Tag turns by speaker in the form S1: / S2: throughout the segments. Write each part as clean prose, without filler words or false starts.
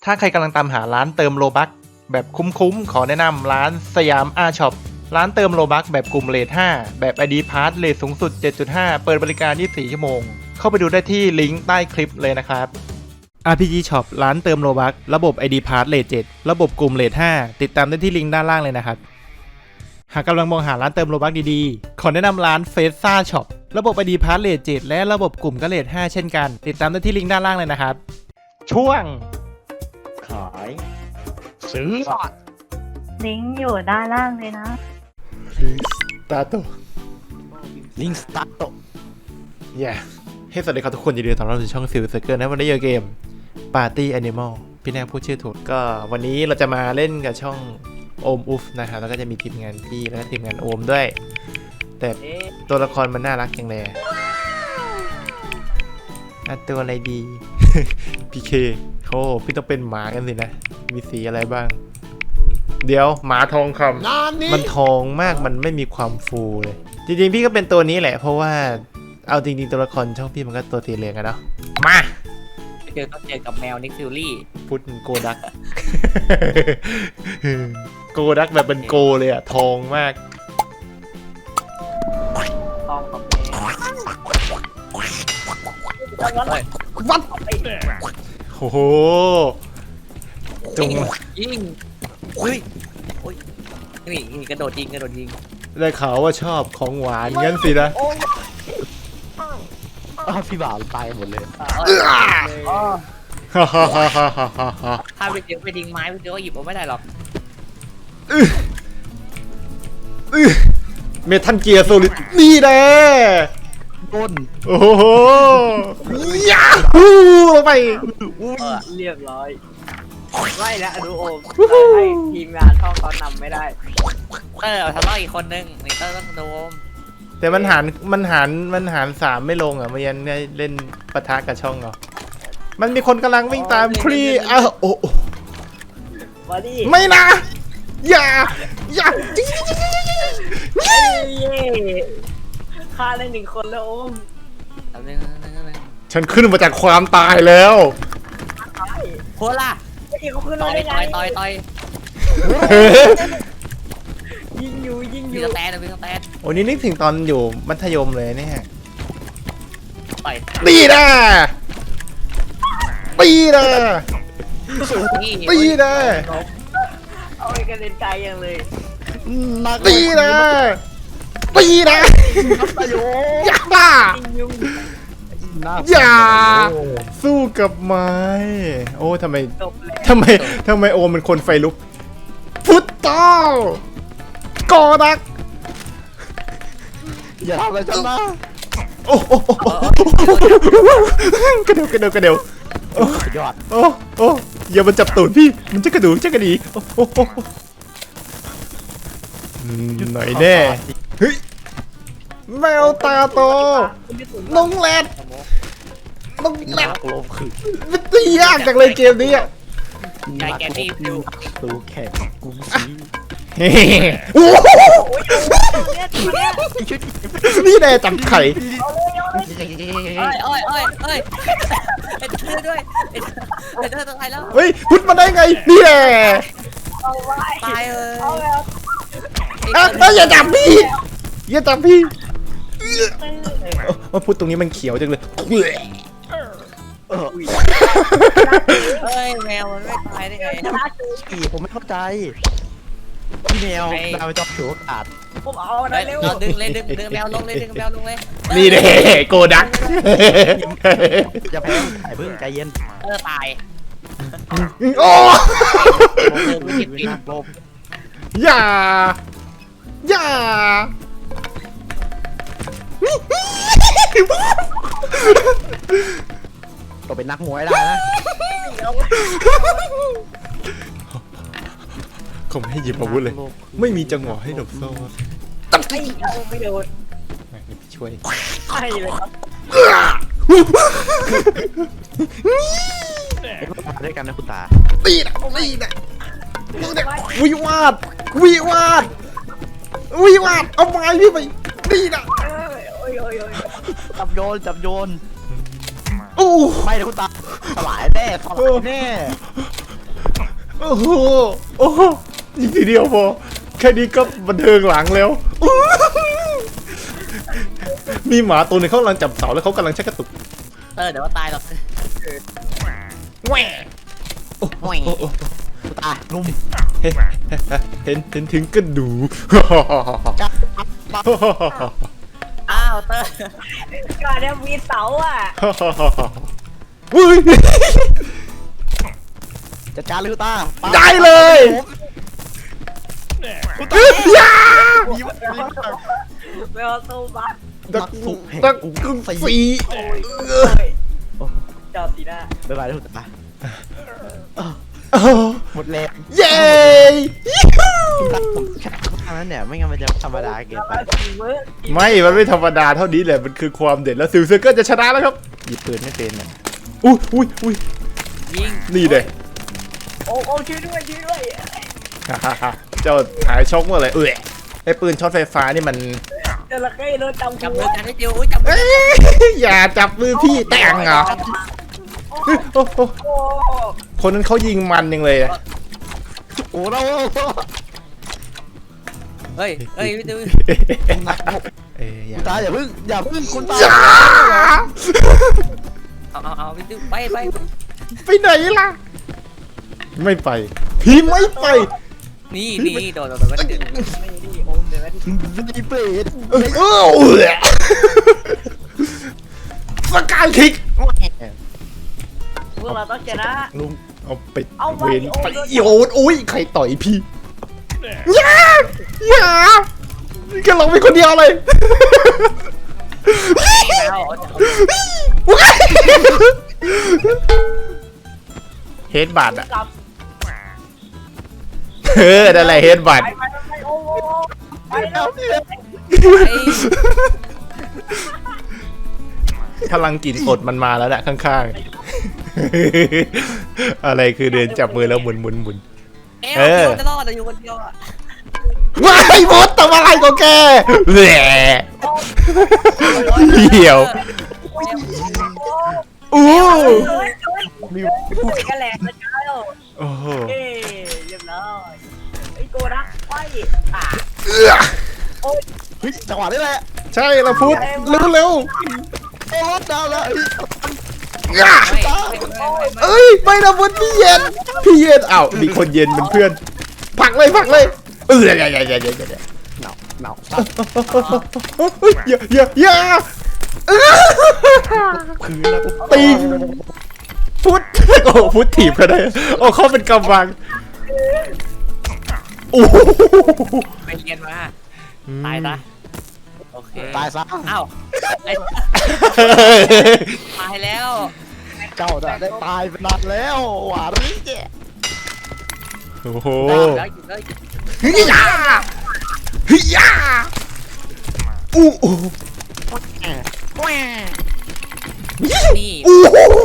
S1: ถ้าใครกำลังตามหาร้านเติมโลบัคแบบคุ้มๆขอแนะนำร้านสยามอาช็อปร้านเติมโลบัคแบบกลุ่มเรท5แบบ ID Pass เรทสูงสุด 7.5 เปิดบริการ 24 ชั่วโมงเข้าไปดูได้ที่ลิงก์ใต้คลิปเลยนะครับ RPG Shop ร้านเติมโลบัคระบบ ID Pass เรท7ระบบกลุ่มเรท5ติดตามได้ที่ลิงก์ด้านล่างเลยนะครับหากกำลังมองหาร้านเติมโลบัคดีๆขอแนะนำร้านเฟสซ่าช็อประบบ ID Pass เรท7และระบบกลุ่มก็เรท5เช่นกันติดตามได้ที่ลิงก์ด้านล่างเลยนะครับช่วง
S2: ขายซื้อ
S3: ลิงก์อยู่ด้านล่างเลยนะ
S2: ลิงสตาร์ท
S1: ให้สวัสดีครับทุกคนยินดีต้อนรับสู่ช่องซิลเซอร์เกิลนะวันนี้เกม Party Animal พี่แนงพูดชื่อถูกก็วันนี้เราจะมาเล่นกับช่องโอมอุฟนะครับแล้วก็จะมีทีมงานพี่และทีมงานโอมด้วยแต่ตัวละครมันน่ารักจังเลยตัวอะไรดี พี่เคโอ้พี่ต้องเป็นหมากันสินะมีสีอะไรบ้างเดี๋ยวหมาทองคำมันทองมากมันไม่มีความฟูเลยจริงๆพี่ก็เป็นตัวนี้แหละเพราะว่าเอาจริงๆตัวละครช่องพี่มันก็ตัวสีเหลืองอะเนาะมา
S4: ต้องเจอกับแมวนิกฟิลลี่
S1: พุทธโกดัก โกดักแบบเป็นโกเลยอะทองมาก
S4: ทองกับแมว
S1: วัดโอ้โหจง
S4: ยิงอุ้ยนี่กระโดดยิง
S1: ได้ข่าวว่าชอบของหวานงั้นสินะ
S2: พี่บ่าวตายหมดเลย
S4: ถ้าไปทิ้งไม้ไปเจอก็หยิบเอาไม่ได้หรอก
S1: เมทัลเกียร์โซลิดนี่แน่
S2: ต้น
S1: โอ้โหยาฮูลงไป
S4: เรียบร้อยไม่แล้วดูโอมให้ทีมงานท่องตอนนำไม่ได้ทะเลาะอีกคนนึงนี่ต้องดูโอม
S1: แต่มันหาร3ไม่ลงอ่ะเมื่อยันได้เล่นปะทะกับช่องเหรอมันมีคนกำลังวิ่งตามครีโอ้ไม่นะอย่า
S4: ฆ่าได้1 คนแล้วโอม
S1: ฉันขึ้นมาจากความตายแล้ว
S4: โคล่ะเขาขึ้นมาได้ไงต่อยยิงอยู่มีสแตน
S1: โอ้นี่นึกถึงตอนอยู่มัธยมเลยเนี่ย
S4: ต่อย
S1: ตีนะเอา
S4: ไปกันเล่นไกลยังเลย
S1: ตีนะอย่าสู้กับไม้โอ้ทำไมโอมันคนไฟลุกฟุตตอลกอดัก
S2: อย่าทำอะไรฉันนะ
S1: โอ้กระเดว
S2: ยอด
S1: โอ้อย่ามันจับตูดพี่มันจะกระดีหน่อยแน่เฮ้ยแมวตาโตน้องแรดมันตียากจังเลยเกมนี้อ่ะ
S4: ไก่แกนี่ดู
S2: ตัวแข็งกุ้งซี
S1: นี่แน่จับไข่
S4: โอ้ยด้วยต้องตายแล้ว
S1: เฮ้ยพุทธมาได้ไงนี่แหละ
S4: ตายเลย
S1: อย่าจับพี่ว่าพุทธตรงนี้มันเขียวจังเลย
S4: แมวมันไม่ตายได้ไง
S2: ผมไม่เข้าใจพี่แมวเราจะถือโอกาส
S4: ผมเอาได้เร็วดึงแมวลงเลย
S1: นี่เด้โกดัก
S2: อย่าแพ้ถ่ายเพิ่งใจเย็น
S4: ตาย
S1: โอ้อย่า
S2: ก็เป็นนักมวยได้นะ
S1: เขาไม่ให้หยิบอาวุธเลยไม่มีจังหวะให้หลบโซ่
S4: ไม่โดน
S1: ช่วย
S4: ใช่เลยครับ
S2: ด้วยกันนะคุณตา
S1: ตีนะวิวาดเอาไม้พี่ไปตีนะ
S2: จับโยน
S1: โอ้
S2: ไม่นะคุณตาสลายแน่
S1: โอ้โหโอ้โหยิงทีเดียวพอแค่นี้ก็บันเทิงหลังแล้วมีหมาตัวหนึงเขากำลังจับเสาแล้วเขากำลังชักกระตุก
S4: เดี๋ยวว่าตายหรอก
S1: แหว่โอ้โห
S2: ตายลุม
S1: เห็นถึงกระดู
S2: จับ
S4: อ้าวเตอร์
S3: ก่อนเนี่ยมีเสาอ่ะ
S1: อุ้ย
S2: จัดการเลยคุณตา
S1: ได้เลยยา
S3: ไม่เอาตู้บ้าน
S1: ตักกุ้งสี
S3: จอดสีหน้า
S2: บ๊ายบายคุณตาหมดแรง
S1: เย้
S2: คุณตาผมแค่ทำนั้นเนี่ยไม่งั้นมันจะธรรมดาเกินไป
S1: ไม่ มันไม่ธรรมดาเท่านี้แหละ มันคือความเด็ดแล้วซิลเซอร์เกอร์จะชนะแล้วครับหยิบปืนไม่เป็นเนี่ยอุ้ย
S4: ยิง
S1: นี่เลย
S3: โอ้ช่วยด้วย
S1: เจ้าหายช็อกเมื่อไหร่ไอ้ปืนช็อตไฟฟ้านี่มัน
S3: จระเข้โดนจำ
S4: จับ
S3: หั
S4: มื
S3: ว
S4: อกันให้จิวจับมื
S1: เอ้
S4: อย
S1: อย่าจับมือพี่แต่งเหรอโอ้โห
S3: โอ้
S1: คนนั้นเขายิงมันยังเลยอะ
S2: โอ้เรา
S4: เฮ้ยพี่จิว
S1: อย่า
S2: คุณตาอย่าพึ่งคุณตา
S1: อย่า
S4: เอาพี่จิวไป
S1: ไปไหนล่ะ ไม่ไป พี่ไม่ไป
S4: นี่โดนไม่ถึง
S3: ไม่นี่โอมเดี๋ยวนะ
S2: ดีเปรต
S1: สกายคิก
S3: พวกเราต้องชนะ
S1: ลุงเอาไป
S3: เอาไป
S1: เวน
S3: โอ้
S1: ไป
S3: ย
S1: โยนอุ้ยใครต่อยพี่อย่าแค่ลงไปคนเดียวเลย
S4: แล้ว
S1: เฮดบัตอะ
S3: กลับ
S1: นั่นแหละเฮดบัต
S3: ไปโอ้ไปแล้ว
S1: พลังกลิ่นสดมันมาแล้วนะข้างๆ อะไรคือเดินจับมือแล้วหมุน
S4: เออจะรอดอยู่คนเดียวอ่ะ
S1: ว้ายมดทำอะไรของแกแหละเหี่ยวอู้
S2: มี
S3: แค่แหลกนะจ้า
S1: โอ้โห
S3: เอ้เรียบร้อยไอ้โกดักไปอ่ะ
S2: เฮ้ยจังหวะนี้แหละ
S1: ใช่ละพุทธเร็ว
S2: โอ้รถดาวแล้ว
S1: เอ้ยไม่นะพุทธพี่เย็นอ้าวมีคนเย็นเป็นเพื่อนผลักเลยอย่า
S2: หนาว
S1: อย่า
S2: พื้นแล้ว
S1: ตีพุทธโอ้พุทธถีบกันได้โอ้เขาเป็นกำบังโอ้โห
S4: ไปเรียนมาตายซะโอเค
S2: ตายซะ
S4: อ้าวตายแล้ว
S2: เจ้าได้ตายไปนานแล้วหวานนี่แก
S1: โอ้โห
S4: แล้วหยุดเลย
S1: เฮียอู้อู้
S4: นี่
S1: อู้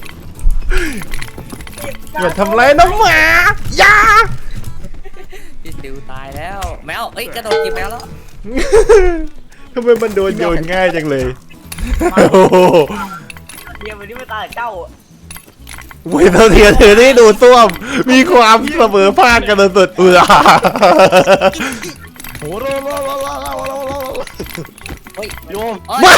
S1: อย่าทำไรน้องหมาอย่า
S4: พี่จิวตายแล้วแมวกระโดดจีบแมวแล้ว
S1: ทำไมมันโดนโยนง่ายจังเลยโอ้โห
S3: เดี๋ยววันนี้ไม่ตายเจ้า
S1: เว้ยเทียเธอที่ดูต้วมมีความเสมอภาคกันสุด
S2: โอ้โหโยม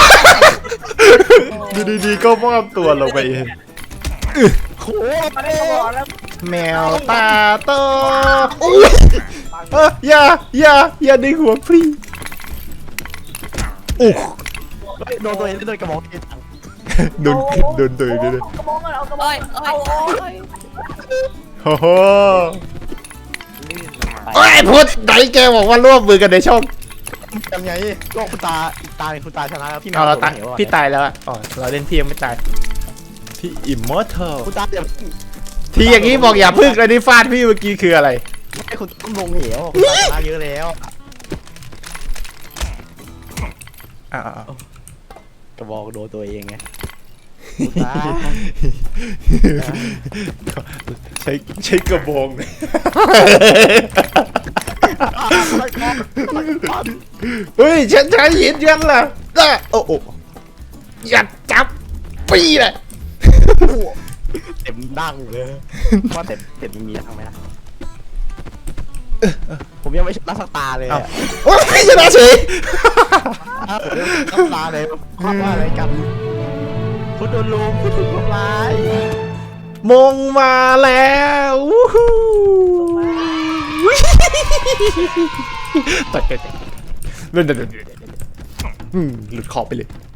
S1: ดูดีๆก็มอบตัวลงไปเอง
S2: โห
S3: มาได้ตลอดแล้ว
S1: แมวตาโตอย่าดึงหัวพี่โอ้
S2: โดนตัวเองโดนกระบอกเอง
S1: โดนตัวเองด้วย
S3: กระบอกเอากระบอกเอา
S1: โอ้โหโอ้ยพุทธไหนแกบอกว่าร่วมมือกันในช่อง
S2: ยังไงก็คุณตาอีกตาเป็นคุณตาชนะแล้วพี่
S1: เอาเราตายพี่ตายแล้วอ่ะอ๋อเราเล่นพี่ยังไม่ตายพี่อิมมอร์ทัล
S2: คุณตาอย่า
S1: ที่อย่างนี้บอกอย่าพึ่งเลยที่ฟาดพี่เมื่อกี้คืออะไร
S2: ให้คุณต้องลงเหวคุณตาชนะเยอะแล้ว กระบอกโดนตัวเองไงคุณตา
S1: ใช้กระบอง เฮ้ยฉันใช้หินยันล่ะโอ้อย่าจับปีเลย
S2: เต็มดั้งเลยว่าเต็มมีทางไหมล่ะผมยังไม่ชนะสักตาเลย
S1: เอ้า
S2: อะ
S1: โอ้ยชนะเฉย
S2: ผมยังไม่ชนะสักตาเลยความว่าอะไรกันคุณโดนลุมคุณถูกทำร้าย
S1: มงมาแล้ววู้ฮู้ตัดกันหลุดขอบไปเลย